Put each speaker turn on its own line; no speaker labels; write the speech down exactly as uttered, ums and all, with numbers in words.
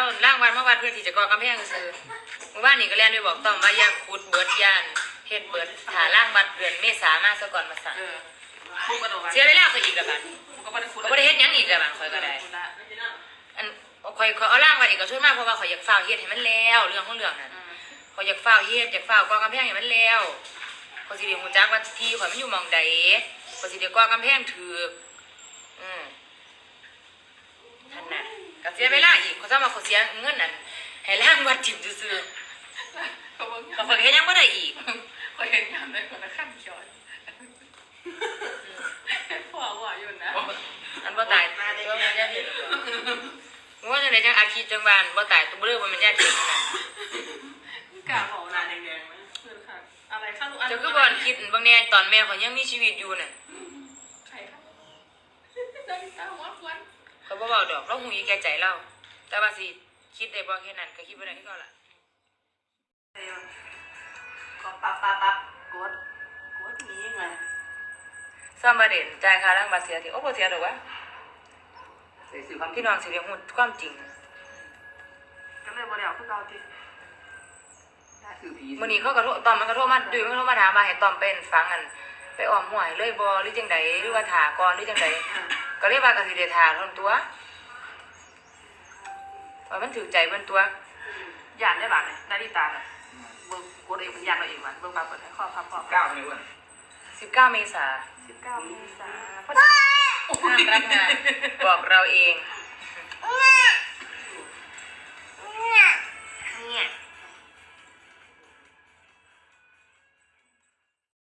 ล่างวันเมื่อวันเพื่อที่จะก่อกำแพงซื้อเมื่อวานนี่ก็เรียนด้วยบอกต้องว่าย่างขุดเบิดย่านเฮ็ดเบิดหาล่างวัดเดือนเมษามาซะก่อนมาสั่งเสียเวลาเขาอีกแล้วบัดก็บ่ได้เฮ็ดหยังอีกแล้วบัดข่อยก็ได้อันข่อยข่อยเอาล่างวัดอีกก็ช่วยมากเพราะว่าข่อยอยากฝ้าวเฮ็ดให้มันแล้วเรื่องของเรื่องนั่นข่อยอยากฝ้าวเฮ็ดอยากฝ้าวก่อกำแพงให้มันแล้วข่อยสิได้ฮู้จักว่าที่ข่อยมันอยู่หม่องใดข่อยสิได้ก่อกำแพงถูกอืมท่านน่ะก็เสียเวลาอีกเขาจะมาเขาเสียเงินนั่นให้ล่างวัดถิ่มซื่อๆเขาบอกให้ยังไม่ได้อีก
เขาเห็นงานได้คนละขั้นย้อนพ่อว่าอยู่นะ
อันบ่ตายตัวมันยาถิ่มว่าจะไหนจังอาคีจังบานบ่ตายตัวเบลอมันยาถิ่มนะ
กาของนานแดงๆนะคือค่ะอะไรข้าวลูกอัน
จะคือบอลคิดบางแน่ตอนแม่เขายังมีชีวิตอยู่น่ะ
ใครครับได้ตาวัดวัน
เขาบ่เบาดอกเราหูยแก่ใจเราแต่ว่าสิคิดได้บ่แค่นั้นก็คิดบ่ได้ที่เขาล่ะ
ก็ปั๊บปั๊บปั๊บกดกดนี้ไง
ซ่อมประเด็นจ่ายค่าล้างบาดเสียที่โอ้บ่เสียดอกวะพี่น้องสิเรียกฮู้ความจริง
ก็เลยบ่ได้เอาคือเก่าติ
มื้อนี้เขาก็โทรตอมมันก็โทรมาดุยมันก็โทรมาถามว่าให้ตอมเป็นฟังอันไปอ้อมห้วยเลยบ่หรือจังไดหรือว่าถาก่อนหรือจังไดก็เลยว่าก็สิได้ถาเท่านั้นตัวว่ามันถือใจเพิ่นตัว
ย่านได้บาดนี่นาฬิตาน่ะเบิ่งกดเองมันย่านเราเองมันเบิ่งบาดเปิดให้ข้อพับข้อ
เก้าเลยว่ะ
สิบเก้าเมษา
สิบเก้าเมษา
ห้ามรับงานบอกเราเองเนี่ย